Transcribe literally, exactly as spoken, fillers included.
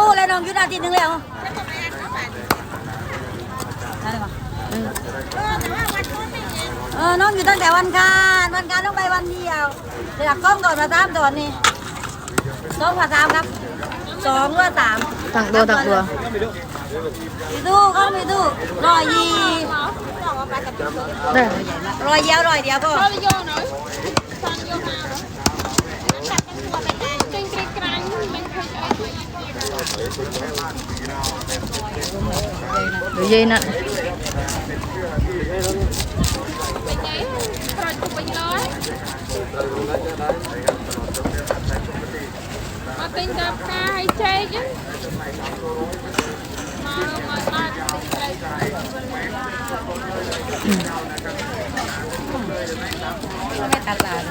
เลยน้องอยู่นาทีนึงแล้วเออน้องอยู่ตั้งแต่วันการวันการต้องไปวันเดียวเดี๋ยวกล้องโดดมาตามโดดนี่สองกับสามครับสองหรือสามตักตัวตักตัวมีตู้ก็มีตู้รอยยีได้รอยเดียวรอยเดียวก็ Thôi vô nữa. Son vô nào nữa. Trên cái cánh mình phải ấy. เดี๋ยวเย็นน่ะ Phải giấy. Rồi chụp bình lối. Mà tin gặp ca hay chê chứ. Mà mà mà tin đây. ไม่ตัดตาเล